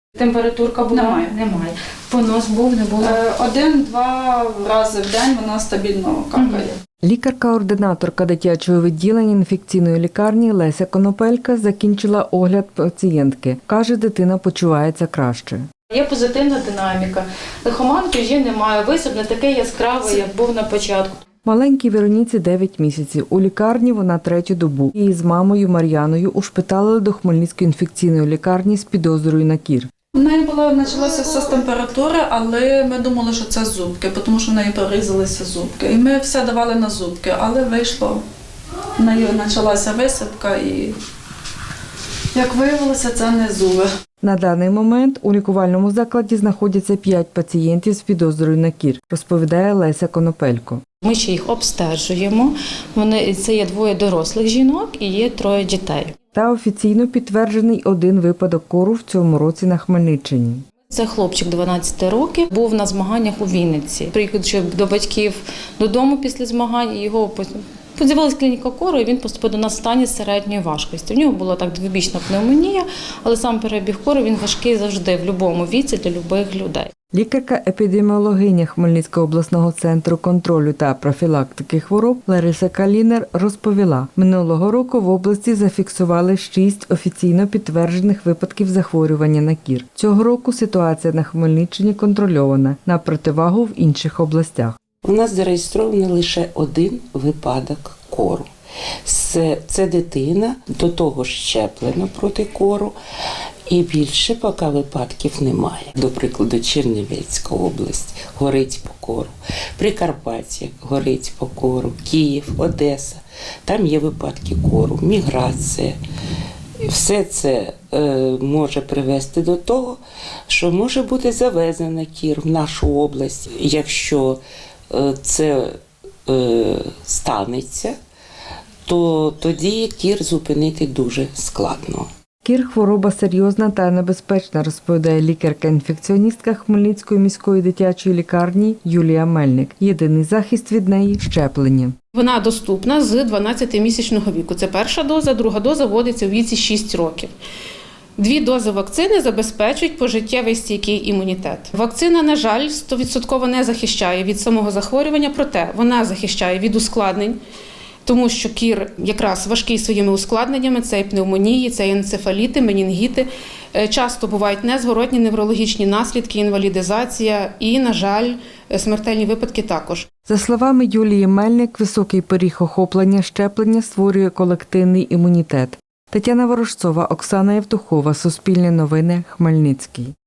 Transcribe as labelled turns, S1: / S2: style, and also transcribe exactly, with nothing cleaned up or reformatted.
S1: Температурка була?
S2: Немає.
S1: Немає. Понос був, не було?
S2: Один-два рази в день вона стабільно какає.
S3: Лікарка-ординаторка дитячого відділення інфекційної лікарні Леся Конопелька закінчила огляд пацієнтки. Каже, дитина почувається краще.
S1: Є позитивна динаміка. Лихоманки вже немає. Висип не такий яскравий, як був на початку.
S3: Маленькій Вероніці дев'ять місяців. У лікарні вона третю добу. Її з мамою Мар'яною ушпиталили до Хмельницької інфекційної лікарні з підозрою на кір.
S2: У неї була почалася все з температури, але ми думали, що це зубки, тому що в неї порізалися зубки. І ми все давали на зубки, але вийшло, в неї почалася висипка і, як виявилося, це не зуби.
S3: На даний момент у лікувальному закладі знаходяться п'ять пацієнтів з підозрою на кір, розповідає Леся Конопелько.
S1: Ми ще їх обстежуємо. Вони, це є двоє дорослих жінок і є троє дітей.
S3: Та офіційно підтверджений один випадок кору в цьому році на Хмельниччині.
S1: Це хлопчик дванадцяти років, був на змаганнях у Вінниці. Приїхавши до батьків додому після змагань, його подивилась клініка кору, і він поступив до нас в стані середньої важкості. В нього була так двобічна пневмонія, але сам перебіг кору, він важкий завжди, в будь-якому віці, для будь-яких людей.
S3: Лікарка-епідеміологиня Хмельницького обласного центру контролю та профілактики хвороб Лариса Калінер розповіла, минулого року в області зафіксували шість офіційно підтверджених випадків захворювання на кір. Цього року ситуація на Хмельниччині контрольована, на противагу в інших областях.
S4: У нас зареєстрований лише один випадок кору. Це, це дитина, до того щеплена проти кору, і більше поки випадків немає. До прикладу, Чернівецька область горить по кору, Прикарпаття горить по кору, Київ, Одеса. Там є випадки кору, міграція. Все це е, може привести до того, що може бути завезена кір в нашу область. Якщо е, це е, станеться, то тоді кір зупинити дуже складно.
S3: Кір – хвороба серйозна та небезпечна, розповідає лікарка-інфекціоністка Хмельницької міської дитячої лікарні Юлія Мельник. Єдиний захист від неї – щеплення.
S5: Вона доступна з дванадцятимісячного віку. Це перша доза, друга доза вводиться у віці шість років. Дві дози вакцини забезпечують пожиттєвий стійкий імунітет. Вакцина, на жаль, сто відсотків не захищає від самого захворювання, проте вона захищає від ускладнень, тому що кір якраз важкий своїми ускладненнями, це і пневмонії, це і енцефаліти, менінгіти. Часто бувають незворотні неврологічні наслідки, інвалідизація і, на жаль, смертельні випадки також.
S3: За словами Юлії Мельник, високий поріг охоплення щеплення створює колективний імунітет. Тетяна Ворожцова, Оксана Євтухова, Суспільне новини, Хмельницький.